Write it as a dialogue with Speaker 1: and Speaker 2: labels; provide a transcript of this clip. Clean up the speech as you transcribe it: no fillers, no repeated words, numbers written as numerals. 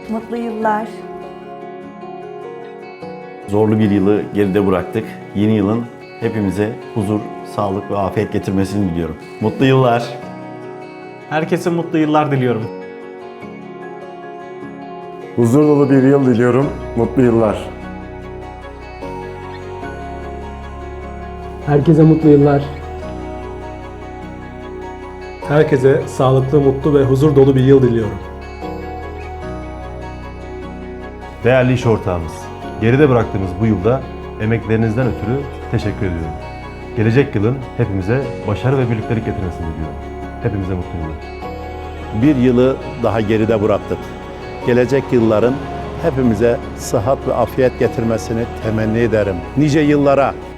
Speaker 1: Mutlu yıllar.
Speaker 2: Zorlu bir yılı geride bıraktık. Yeni yılın hepimize huzur, sağlık ve afiyet getirmesini diliyorum. Mutlu yıllar.
Speaker 3: Herkese mutlu yıllar diliyorum.
Speaker 4: Huzur dolu bir yıl diliyorum. Mutlu yıllar.
Speaker 5: Herkese mutlu yıllar.
Speaker 6: Herkese sağlıklı, mutlu ve huzur dolu bir yıl diliyorum.
Speaker 7: Değerli iş ortağımız, geride bıraktığımız bu yılda emeklerinizden ötürü teşekkür ediyorum. Gelecek yılın hepimize başarı ve birliktelik getirmesini diliyorum. Hepimize mutlu yıllar.
Speaker 8: Bir yılı daha geride bıraktık. Gelecek yılların hepimize sıhhat ve afiyet getirmesini temenni ederim. Nice yıllara